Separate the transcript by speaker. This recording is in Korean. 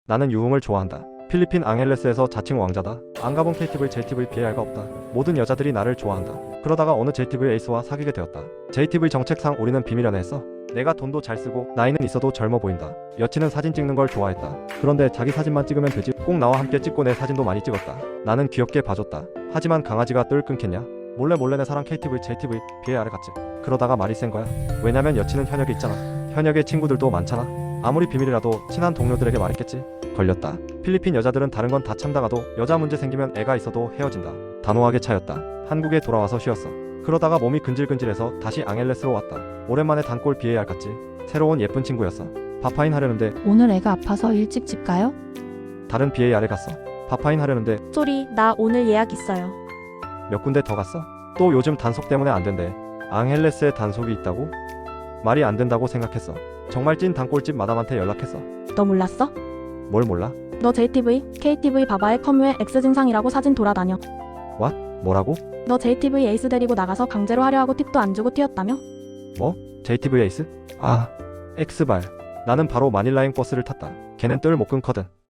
Speaker 1: 나는 유흥을 좋아한다. 필리핀 앙헬레스에서 자칭 왕자다. 안 가본 KTV, JTV, BAR가 없다. 모든 여자들이 나를 좋아한다. 그러다가 어느 JTV 에이스와 사귀게 되었다. JTV 정책상 우리는 비밀 연애했어. 내가 돈도 잘 쓰고 나이는 있어도 젊어 보인다. 여친은 사진 찍는 걸 좋아했다. 그런데 자기 사진만 찍으면 되지. 꼭 나와 함께 찍고 내 사진도 많이 찍었다. 나는 귀엽게 봐줬다. 하지만 강아지가 뜰 끊겠냐? 몰래 내 사랑 KTV, JTV, BAR을 갔지. 그러다가 말이 센 거야. 왜냐면 여친은 현역에 있잖아. 현역에 친구들도 많잖아. 아무리 비밀이라도 친한 동료들에게 말했겠지. 걸렸다. 필리핀 여자들은 다른 건 다 참다가도 여자 문제 생기면 애가 있어도 헤어진다. 단호하게 차였다. 한국에 돌아와서 쉬었어. 그러다가 몸이 근질근질해서 다시 앙헬레스로 왔다. 오랜만에 단골 BAR 갔지. 새로운 예쁜 친구였어. 파파인 하려는데
Speaker 2: 오늘 애가 아파서 일찍 집 가요?
Speaker 1: 다른 BAR에 갔어. 파파인 하려는데
Speaker 3: 쏘리, 나 오늘 예약 있어요.
Speaker 1: 몇 군데 더 갔어. 또 요즘 단속 때문에 안 된대. 앙헬레스에 단속이 있다고? 말이 안 된다고 생각했어. 정말 찐 단골집 마담한테 연락했어.
Speaker 3: 너 몰랐어?
Speaker 1: 뭘 몰라?
Speaker 3: 너 JTV, KTV 바바의 커뮤에 X 증상이라고 사진 돌아다녀.
Speaker 1: 뭐라고?
Speaker 3: 너 JTV 에이스 데리고 나가서 강제로 하려 하고 팁도 안 주고 튀었다며?
Speaker 1: JTV 에이스? 아, X발. 나는 바로 마닐라행 버스를 탔다. 걔는 뜰 못 끊거든.